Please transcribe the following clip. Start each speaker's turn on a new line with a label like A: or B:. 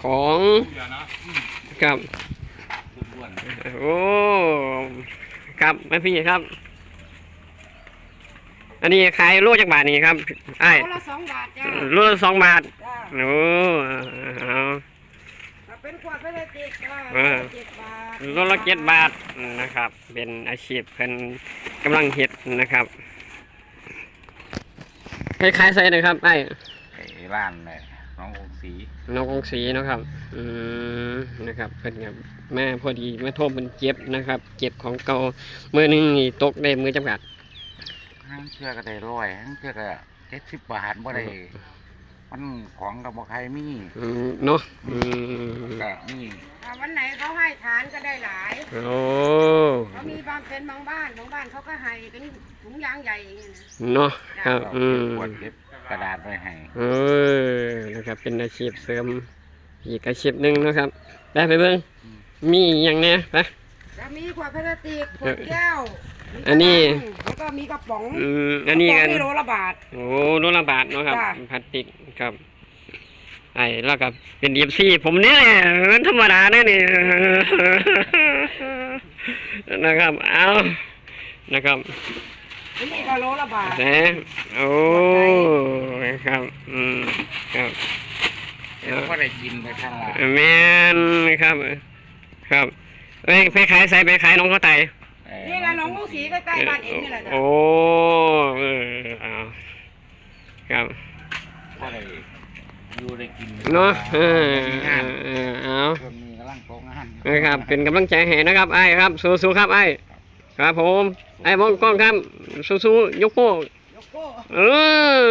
A: ของครับโอ้ครับแม่พี่ครับอันนี้ขายโลจากบาทนี่ครับไอ้
B: โลละ2 บาทจ้า
A: โลละ2 บาท
B: จ้า
A: โอ้เอา
B: ถ้าเป็นขวดพลาสติกก็7 บาท
A: โลละ7 บาทนะครับเป็นอาชีพเพิ่นกำลังเฮ็ดนะครับคล้ายๆใส่นะครับไอ้
C: ร้านเลยน้ององศรี
A: น้องกงสีเนาะครับนะครับเพิ่นกับแม่พอดีมาโทษมันเจ็บนะครับเจ็บของเก่ามือหนึงนี่ตกได้มือจำกัด
C: ห้างเชื่อก็ได้100ห้างเชื่อก็70 บาทบ่ได้มันของกับบ่ใครมี
A: เนาะ
C: ก็มี
B: ถ้าวันไหนเขาให้ทานก็ได้หลาย
A: โอ้
B: เขามีบางบ้านเขาก็ให้เป็นถุงยางใหญ่อย่างเงี้ยนะ
A: เนาะครับ
C: ก็ขวดเก็บกระดาษไว้ให้
A: นะครับเป็นอาชีพเสริมอีกอาชีพหนึ่งนะครับได้ไปเบิ่งมีอย่างเนี้ยไป
B: จะมีขวดพลาสติกขวดแก้ว
A: อันนี้
B: แล้วก็มีกระป๋อง
A: อันนี้กัน
B: โลละบาท
A: โอ้โลละบาทเนาะครับ
B: จ้ะ
A: พลาสติกครับไอ้แล้วก็เป็นเอฟซีผมเนี่ยมันธรรมดาเนี่ยนี่ นะครับเอานะครับ
B: อันนี้ก็โลละบาท
A: แต่โอ้ครับครับ
C: ก็ได้กินไปข้างละ
A: แม่นครับครับไปขายใส่ไปขายน้องเขาไต
B: นี่แหละหนองลูกศรีใกล้ๆบ้านเองนี่แหละจ้ะ
A: โอ้เอาครับ
C: ก็ได้อยู่ได้กิน
A: เนาะ
C: งาน
A: เอา
C: ช่วงนี้กำลังโตงาน
A: นะครับเป็นกำลังใจให้นะครับไอ้ครับสู้ๆครับไอ้ครับผมไอ้มองกล้องครับสู้ๆยกโป้
B: ยกโก้
A: เออ